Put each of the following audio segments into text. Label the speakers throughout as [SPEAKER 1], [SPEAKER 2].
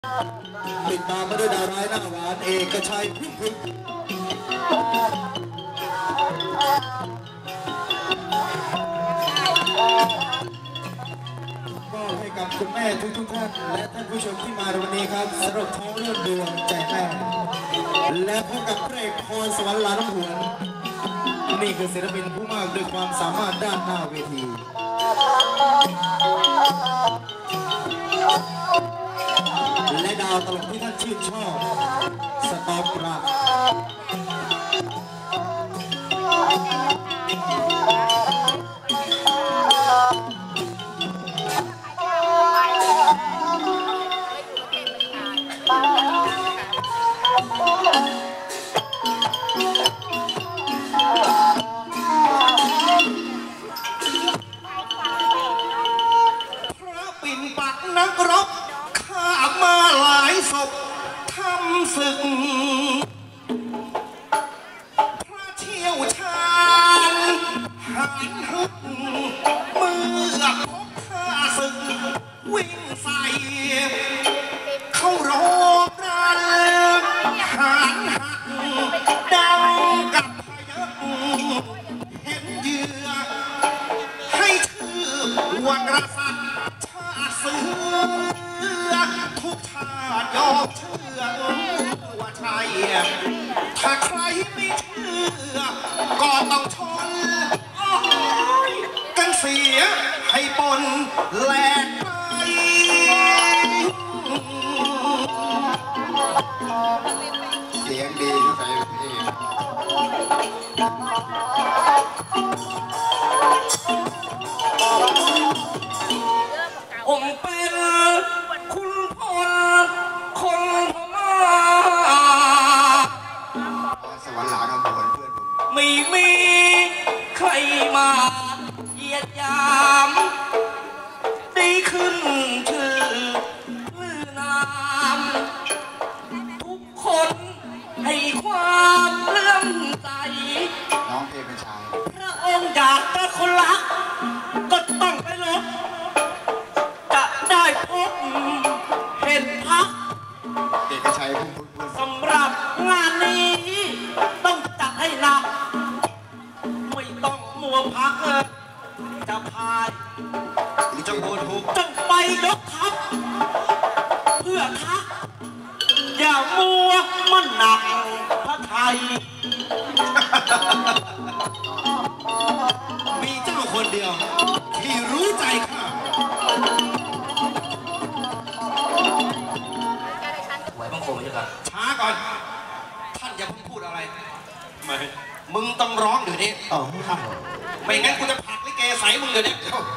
[SPEAKER 1] ติดตามมาด้วยดาวร้ายหน้าหวานเอกชัยพึ่งพึ่งก็ให้กับคุณแม่ทุกท่านและท่านผู้ชมที่มาในวันนี้ครับสำหรับท้องเรื่องดวงใจแม่และพบกับพระเอกพรสวรรค์ลาน้ำหวนนี่คือศิลปินผู้มากด้วยความสามารถด้านหน้าเวทีและดาวตลกที่ท่านชื่นชอบสตอปรา
[SPEAKER 2] นักรบข้ามาหลายศพทำศึกพระเชี่ยวชาญหันฮึกเมื่อพบข้าศึกวิ่งใส่เข้ารบรันหันหักดังกับพยักเห็นเหยื่อให้ชื่อว่ากษัตริย์เสือทุกชาติยอมเชื่อว่าใช่ถ้าใครไม่เชื่อก็ต้องชนกันเสียให้ปนแหลกไป
[SPEAKER 1] เสียงดีที่ใส่เพลง
[SPEAKER 2] ผมเป็นคุณพลคนพม่า
[SPEAKER 1] สวรรค์หลาน้ำหวนเพื่อนผม
[SPEAKER 2] ไม่มีใครมาเหยียดยามได้ขึ้นชื่อลือนามทุกคนให้ความเลื่อมใส
[SPEAKER 1] น้องเพลงเป็นชาย
[SPEAKER 2] พระองค์อยากจะคนรักก็ต้องไปลบจะได้พบเห็นพัก
[SPEAKER 1] เอกชัยพึ่งพึ่ง
[SPEAKER 2] สำหรับงานนี้ต้องจัดให้หนักไม่ต้องมัวพักจะพายจะโหดหุบต้องไปยกทัพเพื่อทักอย่ามัวมันหนักพระไทยมีเจ้าคนเดียวที่รู้ใจข้าไหวบังคมใช่ไหมช้าก่อนท่านอย่าเพิ่งพูดอะไรไม่มึงต้องร้องเดี๋ยวนี้ไม่งั้นกูจะผลักลิเกใส่มึงเดี๋ยวนี้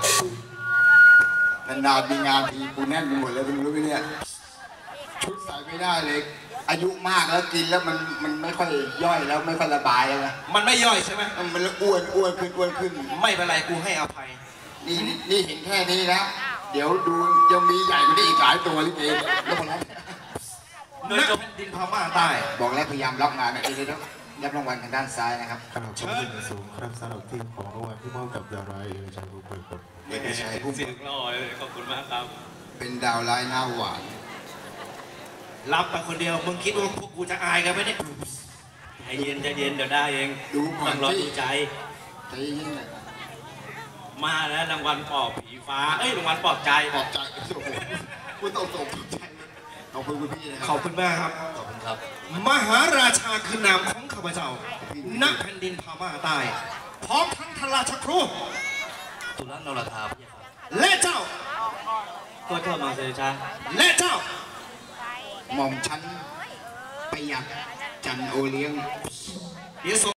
[SPEAKER 1] นานๆมีงานทีกูแน่นไปหมดเลยมึงรู้ไหมเนี่ยชุดใส่ไม่ได้เลยอายุมากแล้วกินแล้วมันไม่ค่อยย่อยแล้วไม่ค่อยระบายแล้วนะ
[SPEAKER 2] มันไม่ย่อยใช่ไหม
[SPEAKER 1] มันอ้วนขึ้น
[SPEAKER 2] ไม่เป็นไรกูให้อภัย
[SPEAKER 1] นี่เห็นแค่นี้นะเดี๋ยวดูยังมีใหญ่กว่านี้อีกหลายตัวลิเกแล้วคนนั้น
[SPEAKER 2] เนื้อกับแผ่นดินพม่าใต้
[SPEAKER 1] บอกแล้วพยายามล็อกงานนะเดี๋ยวรับรางวัลทางด้านซ้ายนะครับ
[SPEAKER 3] ขอบคุณเป็นสูงครับสำหรับทีมของรางวัลที่มอบกับดาวร้ายเอกชัยผู้เปิดครับ
[SPEAKER 1] เอกชัยผู้
[SPEAKER 2] เสียงหล่อเลยขอบคุณมากครับ
[SPEAKER 1] เป็นดาวร้ายหน้าหวาน
[SPEAKER 2] รับไปคนเดียวมึงคิดว่าพวกกูจะอายกันไหมเนี่ยใจเย็นเดี๋ยวได้เอง
[SPEAKER 1] ดูก่อน
[SPEAKER 2] รอดูใจ
[SPEAKER 1] เย็น
[SPEAKER 2] มาแล้วรางวัลปอบผีฟ้ารางวัลปอบใจ
[SPEAKER 1] โอ้โหคุณต้องส่งใจขอบคุณคุณพี่นะครับ
[SPEAKER 2] ขอบคุณมากครับ
[SPEAKER 1] ขอบคุณครับ
[SPEAKER 2] มหาราชาคือนามของข้าพเจ้าณแผ่นดินพม่าใต้พร้อมทั้งทราชครูตุลนรธาและเจ้าก็เท่ามาเสด็จช้าและเจ้า
[SPEAKER 1] หม่อมชั้นประหยัดจันโอเลี้ยง